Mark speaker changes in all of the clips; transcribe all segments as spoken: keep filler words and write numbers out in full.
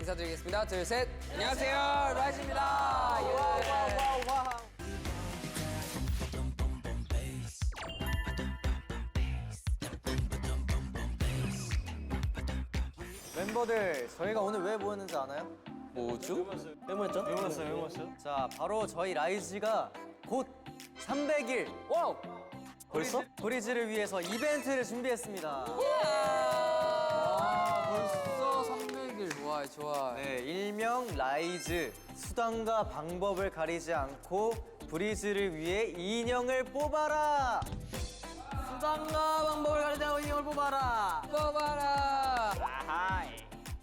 Speaker 1: 인사드리겠습니다. 둘, 셋. 안녕하세요, 라이즈입니다. 예. 와우, 와우, 와우.
Speaker 2: 멤버들, 저희가 오늘 왜 모였는지 아나요?
Speaker 1: 뭐죠?
Speaker 2: 왜 모였죠? 왜 모였어요? 왜 모였어요? 자, 바로 저희 라이즈가 곧 삼백 일!
Speaker 1: 와우!
Speaker 2: 벌써? 브리즈를 위해서 이벤트를 준비했습니다.
Speaker 1: 아, 벌써 삼백 일. 좋아요, 좋아요.
Speaker 2: 네, 일명 라이즈. 수단과 방법을 가리지 않고 브리즈를 위해 인형을 뽑아라! 수단과 방법을 가리지 않고 인형을 뽑아라!
Speaker 1: 뽑아라!
Speaker 2: 아하이.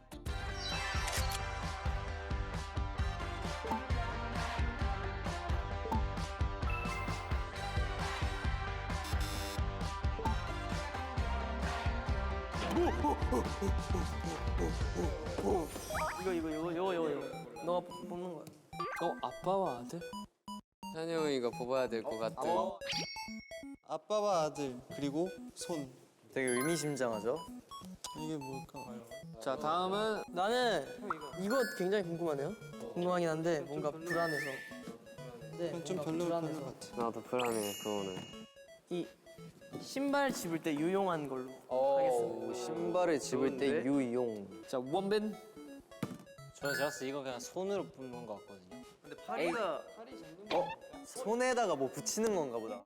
Speaker 2: 이거 이거 이거 이거 이거 이거 너가 뽑는 거야.
Speaker 1: 어, 아빠와 아들? 찬이 형이가 뽑아야 될 것 같아.
Speaker 2: 어?
Speaker 3: 아빠와 아들 그리고 손.
Speaker 2: 되게 의미심장하죠?
Speaker 3: 이게 뭘까?
Speaker 1: 자, 다음은
Speaker 4: 나는 이거 굉장히 궁금하네요. 궁금하긴 한데 뭔가 불안해서. 네,
Speaker 3: 좀 별로 별로 같아.
Speaker 1: 나도 불안해, 그거는.
Speaker 4: 이 신발 집을 때 유용한 걸로
Speaker 2: 오,
Speaker 4: 하겠습니다.
Speaker 2: 신발을 집을 때
Speaker 1: 좋은데?
Speaker 2: 유용.
Speaker 1: 자, 원빈.
Speaker 5: 저는 제가 봤을 때 이거 그냥 손으로 뽑는 것 같거든요.
Speaker 4: 근데 파리가
Speaker 2: 어? 손에다가 뭐 붙이는 건가 보다.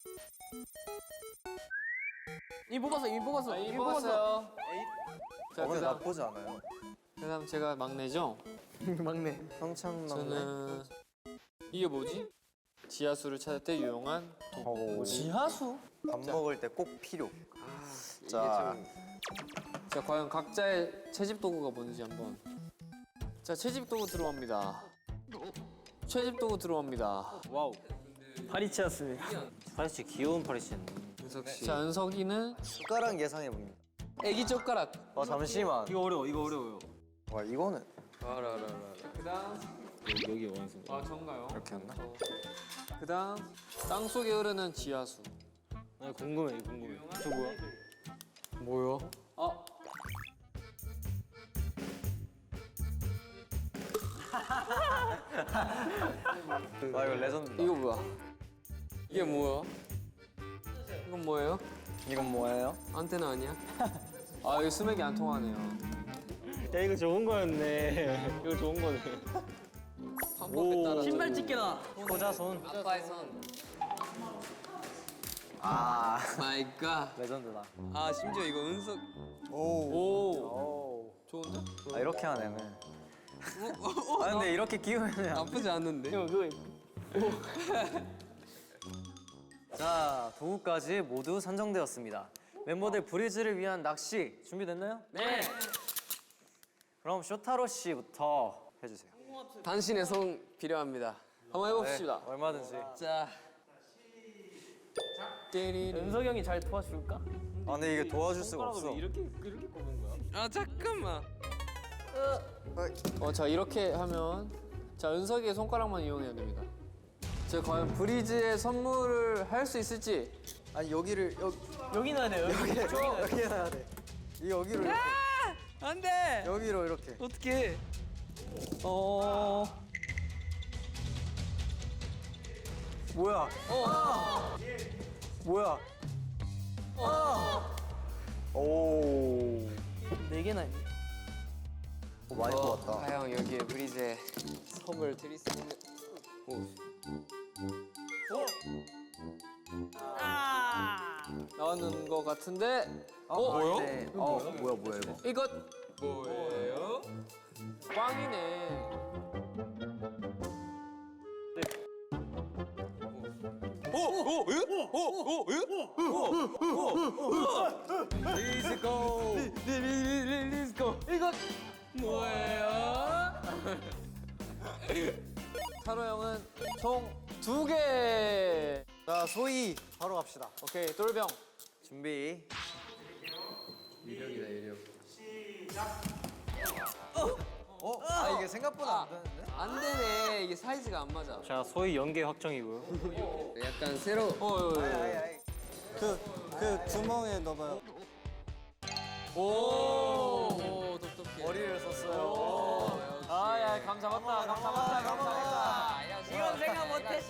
Speaker 4: 이 뽑았어, 이 뽑았어,
Speaker 1: 아, 이 뽑았어요. 자,
Speaker 2: 어, 근데
Speaker 1: 그다음,
Speaker 2: 나쁘지 않아요.
Speaker 1: 그다음 제가 막내죠?
Speaker 4: 막내.
Speaker 2: 평창 막내.
Speaker 1: 저는 이게 뭐지? 지하수를 찾을 때 유용한
Speaker 2: 오,
Speaker 4: 지하수?
Speaker 2: 밥 먹을 때 꼭 필요.
Speaker 1: 이게
Speaker 2: 자,
Speaker 1: 좀... 자, 과연 각자의 채집 도구가 뭔지 한번. 자, 채집 도구 들어옵니다. 채집 도구 들어옵니다.
Speaker 5: 와우.
Speaker 4: 파리치였습니다.
Speaker 5: 파리씨 귀여운 파리씨였네.
Speaker 1: 은석 씨. 자, 은석이는
Speaker 2: 숟가락 예상해 봅니다.
Speaker 1: 애기 젓가락.
Speaker 2: 어, 잠시만.
Speaker 5: 이거 어려워. 이거 어려워요.
Speaker 2: 와, 이거는
Speaker 1: 알아, 알아, 알아. 그다음
Speaker 5: 여기 원숭이.
Speaker 1: 아, 전가요?
Speaker 2: 이렇게 했나?
Speaker 1: 그다음 땅 속에 흐르는 지하수.
Speaker 5: 아 궁금해. 이거 궁금해. 저 뭐야?
Speaker 1: 뭐요? 아.
Speaker 2: 와, 이거 레전드다.
Speaker 1: 이거 뭐야? 이게 뭐야? 이건 뭐예요?
Speaker 2: 이건 뭐예요?
Speaker 1: 안테나 아니야? 아, 이거 스맥이 안 통하네요.
Speaker 5: 야 이거 좋은 거였네. 이거 좋은 거네.
Speaker 1: 방법에 따라
Speaker 4: 신발 집게다.
Speaker 2: 호자손.
Speaker 1: 아빠의 손.
Speaker 2: 아,
Speaker 1: 마이 갓.
Speaker 2: 레전드다.
Speaker 1: 아, 심지어 이거 은석.
Speaker 3: 오.
Speaker 1: 오.
Speaker 2: 오.
Speaker 1: 좋은데?
Speaker 2: 아, 이렇게 하네. 아, 근데 이렇게 끼우면
Speaker 1: 나쁘지 않는데?
Speaker 4: 이거 그거
Speaker 2: 자, 도구까지 모두 산정되었습니다. 멤버들 브리즈를 위한 낚시 준비됐나요?
Speaker 4: 네.
Speaker 2: 그럼 쇼타로 씨부터 해주세요.
Speaker 1: 당신의 손 필요합니다. 한번 해봅시다.
Speaker 2: 네, 얼마든지.
Speaker 1: 자. 띠리리.
Speaker 4: 은석이 형이 잘 도와줄까?
Speaker 2: 아, 근데 이게 도와줄 수가 없어.
Speaker 5: 이렇게 이렇게 뽑는 거야?
Speaker 1: 아, 잠깐만. 어, 자, 이렇게 하면 자, 은석이의 손가락만 이용해야 됩니다. 제가 과연 브리즈의 선물을 할 수 있을지.
Speaker 2: 아니, 여기를 여기
Speaker 4: 여기 넣어야 돼요. 여기.
Speaker 2: 여기 여기 해야 돼. 이 여기로 이렇게.
Speaker 1: 안 돼.
Speaker 2: 여기로 이렇게.
Speaker 1: 어떻게? 어.
Speaker 2: 뭐야? 어. 뭐야? 어. 오.
Speaker 4: 네 개나 있네.
Speaker 2: 오, 많이 뽑았다.
Speaker 1: 과연 여기에 브리즈의 선물 드릴 수 있는. 오. 나왔는 것 같은데.
Speaker 2: 어,
Speaker 1: 어?
Speaker 2: 네. 어, 뭐야 뭐야 이거?
Speaker 1: 이것 뭐예요? 꽝이네.
Speaker 2: Let's go.
Speaker 1: Let's go. 이것 뭐예요? 찬호 형은 총 두 개.
Speaker 2: 자, 소희 바로 갑시다.
Speaker 1: 오케이, 똘병.
Speaker 2: 준비.
Speaker 1: 이력이다, 이력.
Speaker 2: 어? 아, 이게 생각보다 안 되는데?
Speaker 1: 안 되네. 이게 사이즈가 안 맞아.
Speaker 5: 자 소희 연계 확정이고요.
Speaker 1: 약간 새로. 어, 어,
Speaker 2: 아이,
Speaker 1: 어.
Speaker 2: 아이.
Speaker 3: 그, 그 구멍에 넣어봐요.
Speaker 1: 오, 오, 똑똑해.
Speaker 2: 머리를 썼어요.
Speaker 1: 오,
Speaker 2: 아, 잡았다 잡았다 잡았다.
Speaker 4: 이건 생각 못했지.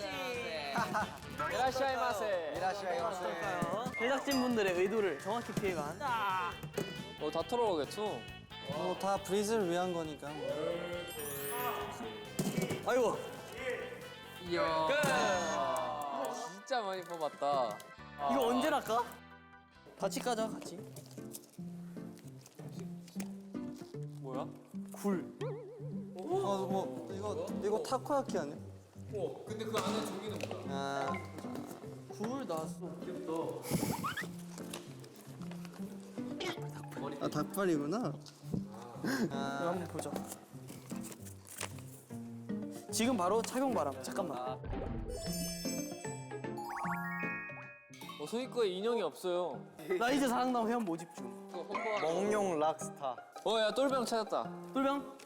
Speaker 1: 이라시아이마세.
Speaker 2: 이라시아이마세.
Speaker 4: 제작진 분들의 의도를 정확히 피해간.
Speaker 1: 어, 다 털어오겠죠?
Speaker 3: 뭐 다 브리즈를 위한 거니까. 뭐.
Speaker 4: 아이고.
Speaker 1: 이야. 진짜 많이 뽑았다.
Speaker 4: 이거 언제 날까? 같이 까자 같이.
Speaker 1: 뭐야?
Speaker 4: 굴.
Speaker 3: 어, 뭐 이거 이거 타코야키 아니야?
Speaker 1: 어, 근데 그 안에 종이는 뭐야?
Speaker 3: 아,
Speaker 4: 굴 나왔어.
Speaker 3: 아 닭발이구나.
Speaker 4: 이거 한번 보자. 지금 바로 착용 바람. 잠깐만.
Speaker 1: 어, 소희꺼에 인형이 없어요.
Speaker 4: 라이즈 사랑남 회원 모집 중.
Speaker 2: 몽룡 락스타.
Speaker 1: 어, 야, 똘병 찾았다.
Speaker 4: 똘병.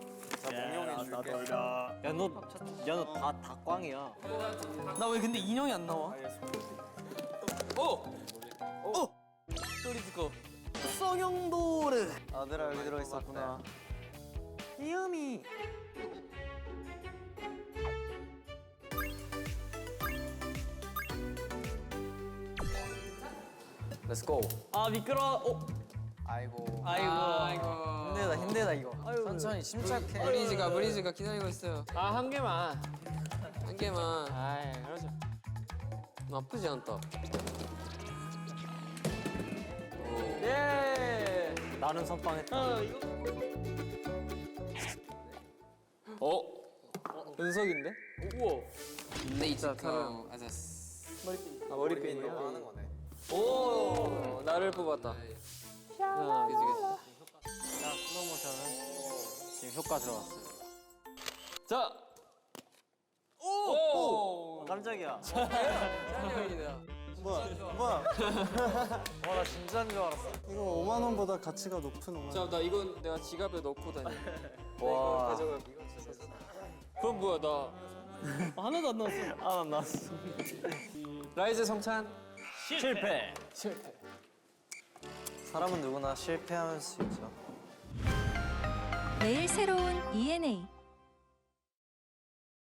Speaker 5: 야너야너다 닭광이야.
Speaker 4: 나 왜 근데 인형이 안 나와?
Speaker 1: 어!
Speaker 4: 소리 듣고. 성형도르.
Speaker 2: 아들아 여기 들어 있었구나.
Speaker 4: 귀염이.
Speaker 1: Let's go.
Speaker 4: 아 미끄러. 어.
Speaker 2: 아이고.
Speaker 4: 아이고.
Speaker 2: 힘들다 힘들다 이거.
Speaker 4: 아이고.
Speaker 2: 천천히 침착해.
Speaker 1: 브리즈가, 브리즈가 기다리고 있어요. 아, 한 개만. 한 개만. 아이, 그러죠. 나쁘지 않다. 오.
Speaker 4: 예.
Speaker 5: 나는 선빵했다.
Speaker 4: 아 이거.
Speaker 1: 어? 은석인데?
Speaker 4: 우와.
Speaker 1: 네이트카.
Speaker 4: 머리핀.
Speaker 1: 아, 머리핀.
Speaker 2: 너무 하는 거네.
Speaker 1: 오, 나를 뽑았다. 야, 그치, 그치.
Speaker 5: 자 슬로모션은 지금 효과 들어갔어요.
Speaker 1: 자! 오! 오!
Speaker 5: 깜짝이야.
Speaker 1: 짱이다.
Speaker 3: 뭐야? 뭐야?
Speaker 2: 와나 진짜인 줄 알았어.
Speaker 3: 이거 오만 원보다 가치가 높은 오만 원.
Speaker 1: 자, 나 이건 내가 지갑에 넣고 다니.
Speaker 2: 와.
Speaker 1: 그럼 뭐야, 나
Speaker 4: 아, 하나도 안 나왔어.
Speaker 5: 아난 나왔어.
Speaker 1: 라이즈 성찬
Speaker 5: 실패.
Speaker 1: 실패.
Speaker 2: 사람은 누구나 실패할 수 있죠.
Speaker 6: 매일 새로운 이엔에이